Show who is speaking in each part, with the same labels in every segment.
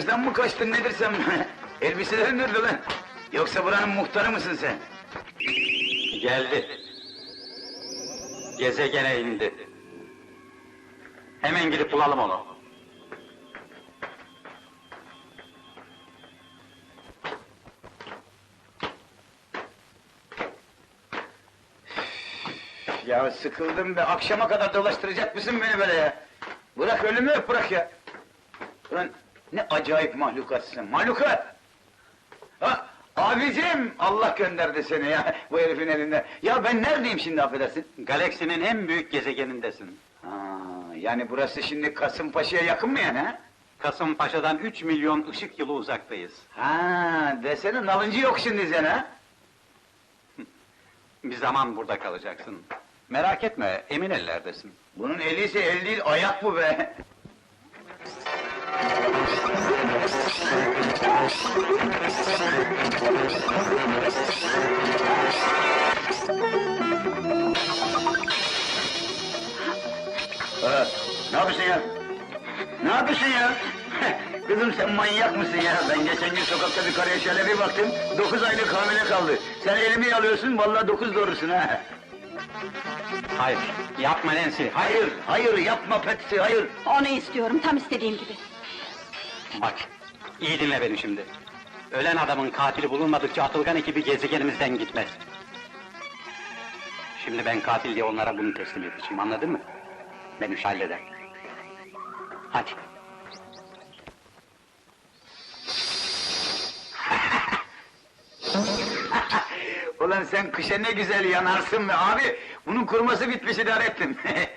Speaker 1: Barajdan mı kaçtın nedir sen? Elbiselerin nerede lan? Yoksa buranın muhtarı mısın sen?
Speaker 2: Geldi. Gezegene indi. Hemen gidip bulalım onu.
Speaker 1: Ya sıkıldım be, akşama kadar dolaştıracak mısın beni böyle ya? Bırak ölümü öp, bırak ya! Ulan ne acayip mahlukatsın, mahlukat! Ha, abicim! Allah gönderdi seni ya, bu herifin elinde! Ya ben neredeyim şimdi, affedersin?
Speaker 2: Galaksinin en büyük gezegenindesin.
Speaker 1: Ha, yani burası şimdi Kasımpaşa'ya yakın mı yani ha?
Speaker 2: Kasımpaşa'dan 3 milyon ışık yılı uzaktayız.
Speaker 1: Ha, desene nalıncı yok şimdi sen ha?
Speaker 2: Bir zaman burada kalacaksın. Merak etme, emin ellerdesin.
Speaker 1: Bunun eli ise el değil, ayak bu be! Ne yapıyorsun ya? Ne yapıyorsun ya? Kızım sen manyak mısın ya? Ben geçen gün sokakta bir karıya şöyle bir baktım, 9 aylık hamile kaldı. Sen elimi alıyorsun, vallahi 9 doğrusun ha!
Speaker 2: Hayır, yapma Nancy, hayır!
Speaker 1: Hayır, yapma Patsy, hayır!
Speaker 3: Onu istiyorum, tam istediğim gibi.
Speaker 2: Bak, iyi dinle beni şimdi. Ölen adamın katili bulunmadıkça Atılgan ekibi gezegenimizden gitmez. Şimdi ben katil diye onlara bunu teslim edeceğim, anladın mı? Ben iş halleder. Hadi.
Speaker 1: Ulan sen kışa ne güzel yanarsın be abi! Bunun kuruması bitmiş, idare ettin!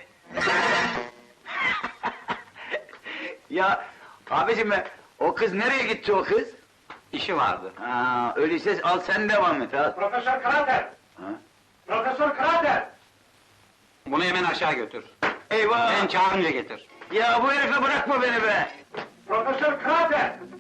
Speaker 1: Ya abicim be, o kız nereye gitti o kız?
Speaker 2: İşi vardı.
Speaker 1: Ha, öyleyse al sen devam et ha!
Speaker 4: Profesör Krater!
Speaker 1: Ha?
Speaker 4: Profesör Krater!
Speaker 2: Bunu hemen aşağı götür.
Speaker 1: Eyvah!
Speaker 2: Ben çağırınca getir.
Speaker 1: Ya bu herife bırakma beni be!
Speaker 4: Profesör Krater!